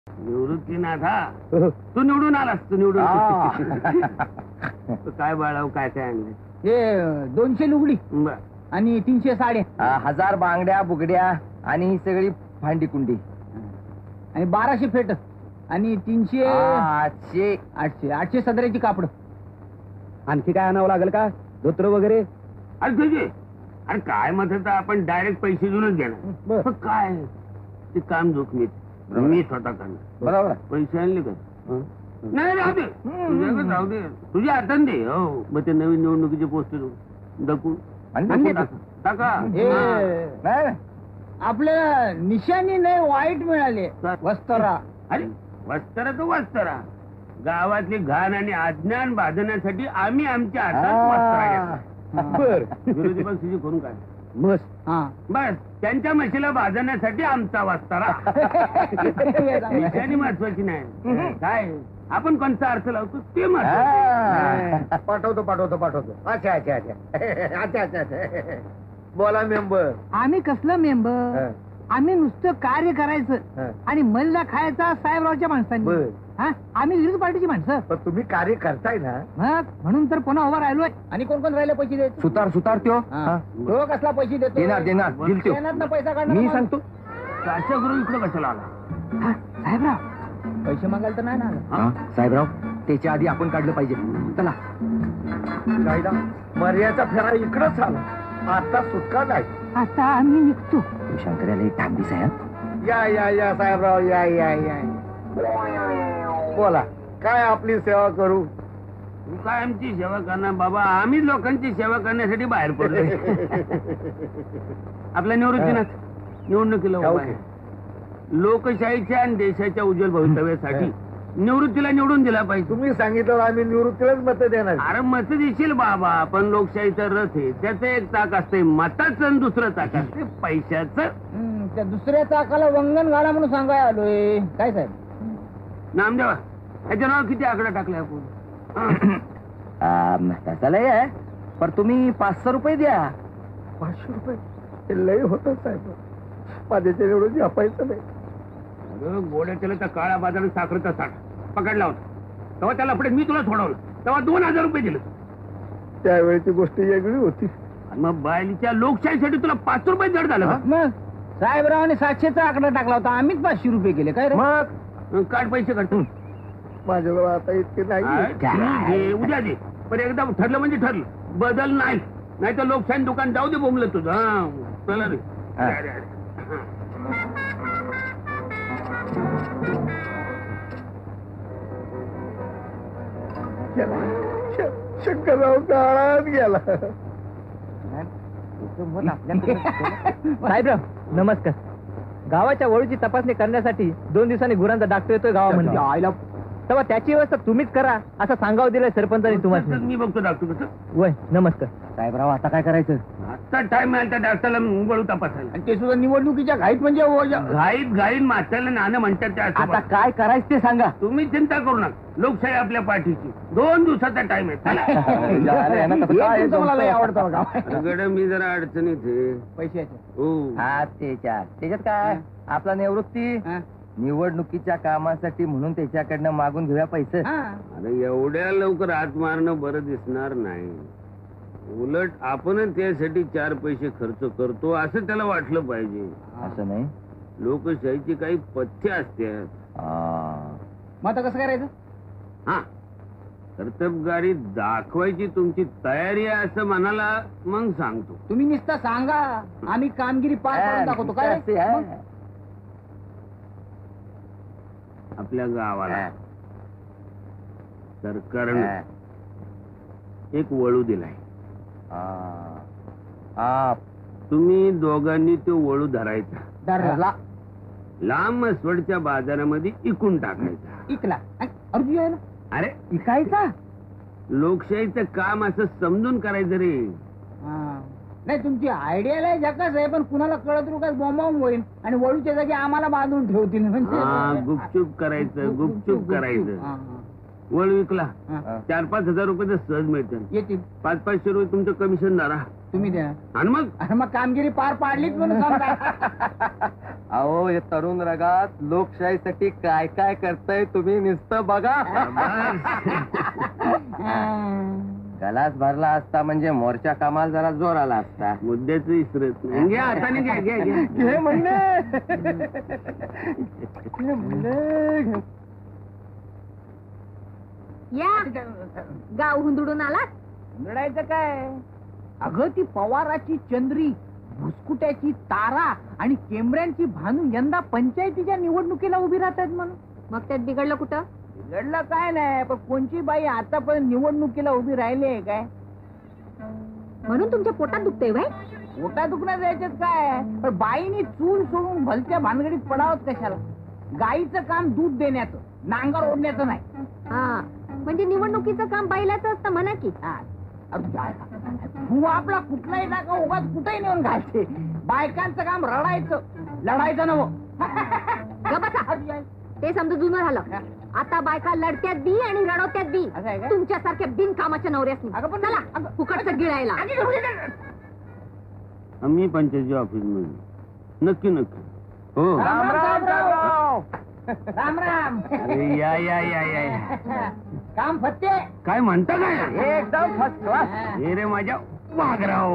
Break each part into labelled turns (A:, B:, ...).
A: निवृत्तीनाथ हा तू निवडून आलास तू निवडून तू काय बाळाव काय काय आणलं
B: हे 200 लुगडी
A: बर
B: आणि 300 साड्या
C: 1000 बांगड्या बुगड्या आणि ही सगळी भांडी कुंडी
B: आणि 1200 फेट आणि 300
C: 800
B: 800 सदऱ्याची कापड.
D: आणखी काय आणावं लागेल का धोत्र वगैरे?
A: अरे तुझे अरे काय म्हणत आपण डायरेक्ट पैसे देऊनच घेणार पण काय ते काम जोखमीत मी स्वतः करणार.
C: बरोबर
A: पैसे आणले का नाही राहू दे तुझ्याकडे राहू दे तुझ्या हातात दे. हो मग ते नवीन निवडणुकीचे पोस्टर दकू टाका
B: हे
C: नाही
B: आपल्याला निशाणी नाही वाईट मिळाले वस्त्रा.
A: अरे वस्त्रा तो वस्त्रा गावातली घाण आणि अज्ञान बांधण्यासाठी आम्ही आमच्या हातात वस्त्रा घेतो.
D: बर
A: विरोधी पक्षाची करून काय
D: मस्त.
B: हा
A: बस त्यांच्या म्हशीला भाजण्यासाठी आमचा वस्तारा. निशाणी महत्वाची नाही काय आपण कोणता अर्थ लावतो ते महत्वाचं.
C: पाठवतो पाठवतो पाठवतो. अच्छा अच्छा अच्छा अच्छा अच्छा अच्छा. बोला मेंबर.
B: आम्ही कसलं मेंबर आम्ही नुसतं कार्य करायचं आणि मल्ला खायचा साहेबरावच्या माणसांनी. हा आम्ही विरोधी पार्टीची माणसं
C: पण तुम्ही कार्य करताय ना.
B: मग म्हणून तर पुन्हा उभा राहिलोय. आणि कोण कोण राहिले पैसे देत
C: सुतार सुतार त्यो
B: तो कसला पैसे देतो
C: देणार देणार दिल त्यो.
B: शेणातनं पैसा काढणार
C: मी
B: मग.
C: सांगतो
A: काशा गुरु इकडे कशाला आला
B: हा, साहेबराव पैसे मागायला तर नाही ना आलं.
C: साहेबराव त्याच्या आधी आपण काढलं पाहिजे. चला कायदा मर्याचा फेरा इकडंच आला. आता सुटका नाही.
B: आता आम्ही निघतो.
C: शंकर्याला एक टाक दिसाय. या या या साहेबराव या या या. बोला काय आपली सेवा करू.
A: तू काय आमची सेवा करणार बाबा आम्ही लोकांची सेवा करण्यासाठी बाहेर पडलो. आपल्या निवृत्तीनाथ निवडणुकीला उभा आहे. लोकशाहीच्या आणि देशाच्या उज्ज्वल भवितव्यासाठी निवृत्तीला निवडून दिला पाहिजे.
C: तुम्ही सांगितलं आम्ही निवृत्तीलाच मत देणार.
A: अरे मत देशील बाबा पण लोकशाहीचा रथ आहे त्याचं एक चाक असते मताचं आणि दुसरं चाक असते पैशाचं.
B: त्या दुसऱ्या चाकाला वंगण घाला म्हणून सांगाय आलोय. काय साहेब
A: नामदेवा ह्याच्या नाव किती आकडा टाकले आपण.
C: तसं लय आहे पण तुम्ही 500 रुपये द्या. 500 रुपये हे लय होतं साहेब. माझ्याच्या निवडून जपायचं नाही.
A: अगं गोड्या केलं तर काळा बाजार साखरेचा साठ पकडला होता तेव्हा त्याला पुढे मी तुला सोडवलं तेव्हा 2000 रुपये दिले.
C: त्यावेळेची गोष्ट वेगळी होती.
A: आणि मग बायलीच्या लोकशाहीसाठी तुला 5 रुपये जड झालं का?
B: मग साहेबरावांनी 700चा आकडा टाकला होता आम्हीच 500 रुपये केले. काय रे
C: मग
A: काढ पैसे काढतो.
C: माझ्याजवळ आता इतके नाही.
A: उद्या दे पण एकदा ठरलं म्हणजे ठरलं बदल नाही नाही तर लोकशाही दुकान जाऊ दे बोंबलं तुझं. हा चला रे. अरे, अरे.
C: शंकरराव काळात गेला.
B: साहेबराव नमस्कार. गावाच्या वळूची तपासणी करण्यासाठी 2 दिवसांनी गुरांचा डॉक्टर येतोय गावामध्ये. आयला तेव्हा त्याची व्यवस्था तुम्हीच करा असं सांगावं दिलंय सरपंचांनी तुम्हाला.
A: मी बघतो डॉक्टर कसं.
B: वय नमस्कार.
C: साहेबराव आता काय करायचं.
A: आता टाइम आहे त्या डॉक्टरला वळू तपासायला.
B: आणि ते सुद्धा निवडणुकीच्या घाईत म्हणजे
A: घाईत घाईत माथ्याला नाणं म्हणतात त्या असं
C: आता काय करायचं ते सांगा.
A: तुम्ही चिंता करू नका लोकशाही आपल्या पाठीची 2 दिवसाचा टाइम आहे. चला.
B: मला लय आवडतं बघा.
A: गड मी जरा अडचणीत आहे.
B: पैशाचे
A: हो
C: हा त्याच्यात काय आपला निवृत्ती निवडणुकीच्या कामासाठी म्हणून त्याच्याकडनं मागून घेऊया पैसे.
A: अरे एवढ्या लवकर हात मारणं बरं दिसणार नाही. उलट आपणच त्यासाठी 4 पैसे खर्च करतो असं त्याला वाटलं पाहिजे.
C: असं नाही.
A: लोकशाहीची काही पथ्य असतात.
B: मग आता कसं करायचं.
A: हा कर्तबगारी दाखवायची तुमची तयारी आहे असं मनाला मग सांगतो.
B: तुम्ही नुसतं सांगा आम्ही कामगिरी पार करून दाखवतो. काय रे?
A: आपल्या गावाला सरकारनं एक वळू दिलाय. तुम्ही दोघांनी तो वळू धरायचा
B: धरला
A: लांब मसवडच्या बाजारामध्ये इकून टाकायचा.
B: इकला अर्जुन
A: अरे
B: इकायचा.
A: लोकशाहीचं काम असं समजून करायचं रे.
B: नाही तुमची आयडिया जगाच आहे पण कुणाला कळत रुकाच बॉम्बावून होईल आणि वळूच्या जागी आम्हाला बांधून ठेवतील. म्हणजे
A: गुपचूप करायचं गुपचूप करायचं. वळू विकला 4-5 हजार रुपये तर सहज मिळतील.
B: येतील
A: 500-500 रुपये तुमचं कमिशन धरा.
C: तुम्ही द्या.
A: आणि मग
C: अरे मग कामगिरी पार पाडलीच म्हणून समजा.
E: अहो हे तरुण रगात लोकशाहीसाठी काय काय करताय तुम्ही नुसतं बघा. गलास भरला असता म्हणजे मोर्चा कामाला जरा जोर आला असता.
A: मुद्द्याच विसरत नाही. घ्या हाताने घ्या घ्या घ्या.
E: घे म्हणले
F: या गाव हुंदडून आलात.
C: लढायचं काय? अगं ती पवाराची चंद्री, भुसकुट्याची तारा आणि केमऱ्यांची भानू यंदा पंचायतीच्या निवडणुकीला उभी राहतात म्हणून.
F: मग त्यात बिघडलं कुठं?
C: बिघडलं काय नाही, पण कोणची बाई आतापर्यंत निवडणुकीला उभी राहिली आहे काय?
F: म्हणून तुमच्या पोटात दुखतंय बाई.
C: पोटा दुखण्यात जायच्यात काय, पण बाईनी चूल सोडून भलत्या भानगडीत पडावत कशाला? गाईचं काम दूध देण्याचं, नांगर ओढण्याचं नाही.
F: हा म्हणजे निवडणुकीचं काम बायलाचं असतं म्हणा की.
C: हा. अरे काय? तू आपला कुठलाही टाका उगाच कुठेही नेऊन घालते. बायकांचं काम रडायचं, लढायचं नव्हं.
F: ग बसा. ते समजा जुनं झालं. आता बायका लढत्यात बी आणि रडवत्यात बी.
C: असं आहे का?
F: तुमच्यासारख्या बिनकामाच्या नवऱ्यासनी.
C: अगं पण-
F: चला फुकटचं गिळायला.
A: आम्ही पंचायती ऑफिस मध्ये नक्की नक्की. हो
C: राम राम राम राम राम.
A: अरे या या या या.
C: काम फत्ते.
A: काय म्हणता काय?
E: एकदम फर्स्ट क्लास.
A: हे रे माझ्या वाघराव.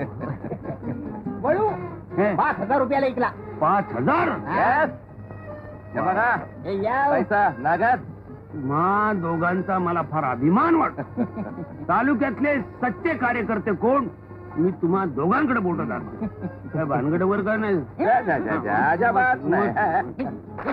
C: वळू
A: हे,
C: 5,000 रुपयाला ऐकला.
A: 5,000.
E: हे बघा
C: हे या.
E: पैसा नागात.
A: मा दोघांचा मला फार अभिमान वाटत. तालुक्यातले सच्चे कार्यकर्ते कोण? मी तुम्हा दोघांकडे बोलत दाखवतो. काय भानगडवर काय नाही.
E: अजाबात नाही.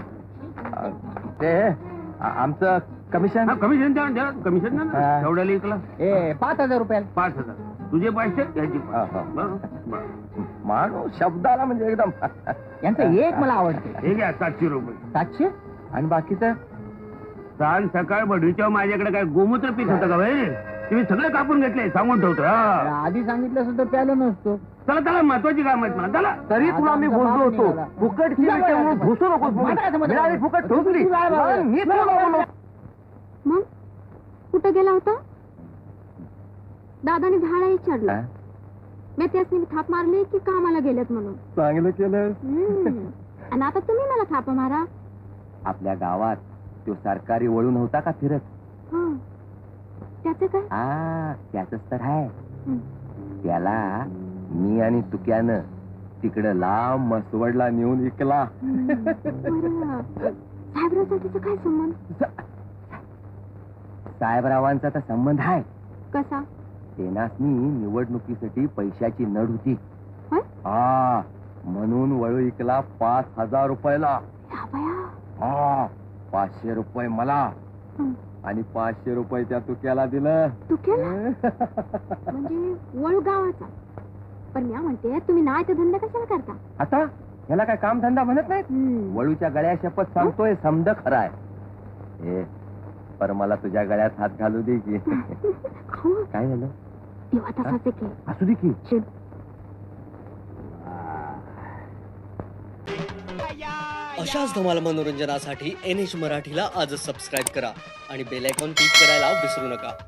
E: ते आमचं कमिशन.
A: हा, कमिशन द्या कमिशन द्या ना.
E: हा.
A: तेवढ्याला ऐकला
C: ए 5,000 रुपयाला.
A: 5,000. तुझे पैसे याची
E: हा, हा. माणूस शब्दाला म्हणजे एकदम.
C: यांचं एक मला आवडते.
A: हे घ्या 700 रुपये.
C: 700.
E: आणि बाकीचं
A: सांग सकाळ बढीच्या माझ्याकडे काय गोमूत्र पीक होतं का भाई? तुम्ही सगळं कापून घेतले सांगून ठेवतो. हा.
C: आधी सांगितलं सुद्धा प्यालो नसतो.
A: चला चला महत्वाची काम आहेत मला. चला.
E: तरी तुला मी बोललो होतो फुकटची विषय म्हणून घुसू नकोस म्हणून. मिळाली फुकट ठोकली. मी तुला बोललो.
F: मग कुठं गेला होता? दादाने झाडा विचारलं. मी त्यासनी थाप मारली की कामाला गेलेत म्हणून.
E: चांगलं केलं.
F: आणि आता तुम्ही मला थाप मारा.
E: आपल्या गावात तो सरकारी वळू नव्हता का फिरत?
F: हं. त्याचं काय?
E: त्याच तर आहे.
F: हं.
E: त्याला मी आणि तुक्यानं तिकडं लांब मसवडला नेऊन विकला.
F: बरं. साहेबरावचा त्याचा काय संबंध?
E: साहेबरावांचा तर संबंध आहे.
F: कसा?
E: तेनासनी निवडणुकीसाठी पैशाची नड होती.
F: होय?
E: म्हणून वळू विकला 5,000 रुपयाला.
F: या बया.
E: 500 रुपये मला
F: हं.
E: आणि 500 रुपये त्या तुक्याला दिलं.
F: तू केला म्हणजे वळू गावाचा. पण मी म्हणते तुम्ही नाही तर धंदा कशाला करता?
E: आता ह्याला काय काम धंदा म्हणत नाहीत.
F: हं.
E: वळूच्या गळ्या शपथ सांगतोय समद खराय. ए पर मला तुझ्या गळ्यात हात घालू दे की.
F: अहो,
E: काय झालं?
F: तेव्हा तसाच आहे की.
E: असू दे की.
F: शिट.
G: अशाच धमाल मनोरंजनासाठी NH मराठीला आजच सबस्क्राईब करा आणि बेल आयकॉन क्लिक करायला विसरू नका.